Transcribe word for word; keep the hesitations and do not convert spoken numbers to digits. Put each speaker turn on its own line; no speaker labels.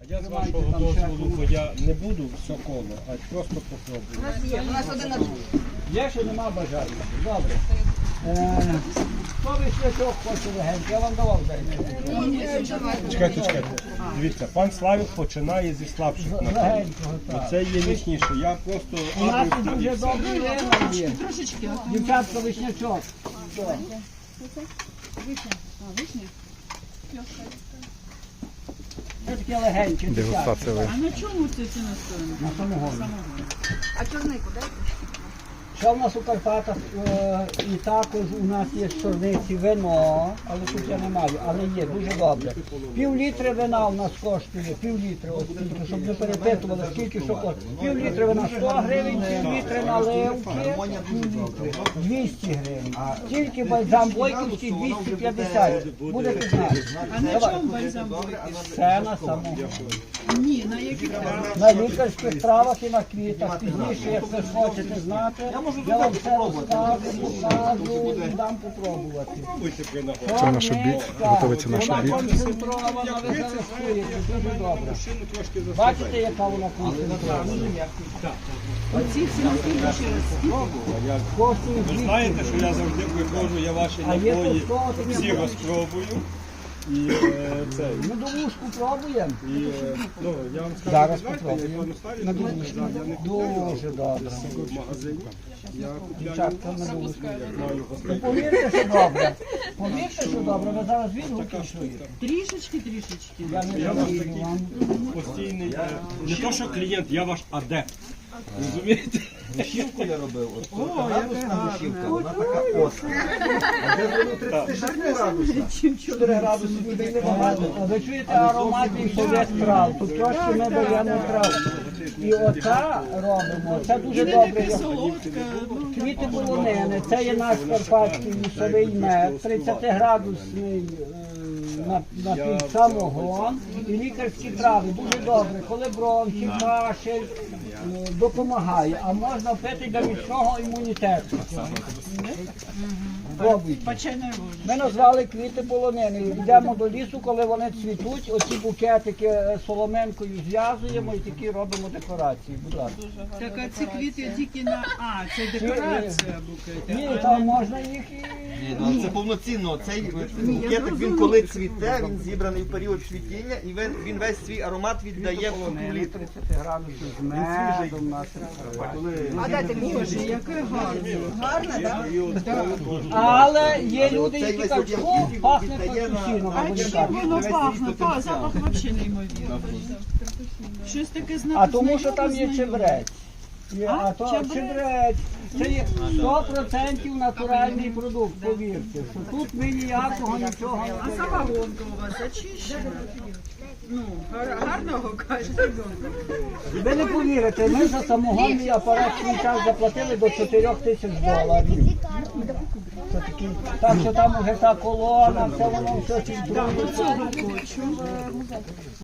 Я з вашого дозволу, бо я не буду все коло, а просто попробую.
У нас є, у нас один на другий.
Є, що нема бажання. Добре. Е, Хто вишнячок хоче легенький? Я вам давав день.
Чекайте, чекайте. Дивіться, пан Славік починає зі слабших напоїв.
Легенького, так.
Це є міцніше. Я просто
У нас
адрес
дуже
тоді.
добрий вина є.
Трошечки.
Дівчатка, вишнячок. Що?
Вишня. А, вишня?
Це таке легеньке.
Дегустація
дівчатка.
А на чому це це настояно?
На самогоні.
А чорнику дайте?
Що в нас у Карпатах, е, і також у нас є з чорниці вино, але тут я не маю, але є, дуже добре. Пів літри вина у нас коштує, пів літри, от тільки, щоб не перепитували, скільки що коштує. Пів літри вина сто гривень, пів літри наливки, пів літри двісті гривень. Тільки бальзам Бойківський двісті п'ятдесят, будете знати.
А на чому бальзам бойківський?
Це на самому.
Ні, на яких травах?
На лікарських травах і на квітах. Пізніше, як ви хочете знати, я вам все розкажу, покажу, дам попробувати.
Пробуйте при нагоді.
Це наш обід, готується наш
Вона
обід.
концентрована, ви зареєструєте, дуже добре. Бачите, яка вона концентрована?
Оці всі наскільки ще раз?
Коштує
Ви
двісті.
знаєте, що я завжди приходжу, я ваші
А є
напої
тут того, таке
всі
бачите.
розпробую. І е, це.
Ми довушку пробуємо.
І, е, ну, я вам скажу,
Зараз
відверто,
попробуємо.
я пану Славіку
На
кажу,
довушку.
я не купляю
Дуже добре.
в магазині. Я купляю,
Дівчатка, на довушку.
як маю
Ну,
гостей.
повірте, що добре. Повірте, що добре. Ви зараз відгуки чуєте.
Трішечки, трішечки.
Я не
Я ваш
жалію
такий
вам.
постійний, е, не то що клієнт, я ваш адепт. Розумієте?
Гущівку я робив, от
О,
градусна
яка
гущівка,
гарна.
вона така остра. А де воно тридцять шість градусів? чотири градуси ніби й небагато.
А ви чуєте ароматний совет трав? Тут трошки ми даємо трав. І оце робимо. Це дуже
І не
добре.
таке солодке. ну,
Квіти полонини. Це є наш карпатський лісовий мед, тридцятиградусний е, на, на пів самогон і лікарські трави. Дуже добре. Коли бронхи, кашель, е, допомагає. А можна пити для міцного імунітету. Пробуйте.
Печене воно.
Ми назвали квіти полонини. Йдемо до лісу, коли вони цвітуть, оці букетики соломинкою зв'язуємо і такі робимо декорації. Будь ласка.
Так, а ці квіти тільки на... А, це декорація букети.
Ні, там можна їх і...
Ні, ну це повноцінно. Цей букетик, він коли цвіте, він зібраний в період цвітіння і він, він весь свій аромат віддає в ту
Полонини,
літру.
тридцять градусів з медом. на
А дайте мені. Боже, яке гарне.
Гарне, так?
Але є люди,
Цей
які
весь
кажуть,
одяг
о,
він
пахне
віддає на-
капучино.
А
вони
чим
кажуть.
воно пахне? Та, запах взагалі неймовірний. Щось таке знак.
А тому, що там є чебрець. Є,
А,
а то
чебрець?
чебрець. Це є сто відсотків натуральний продукт, повірте. Що тут ми ніякого нічого не
А
даємо.
самогонка у вас очищена? Ну, гар- гарного кажете.
Ви не повірите, ми за самогонний апарат свій час заплатили до чотирьох тисяч доларів. Це такі, так що там уже та колона, все воно все фільтрується.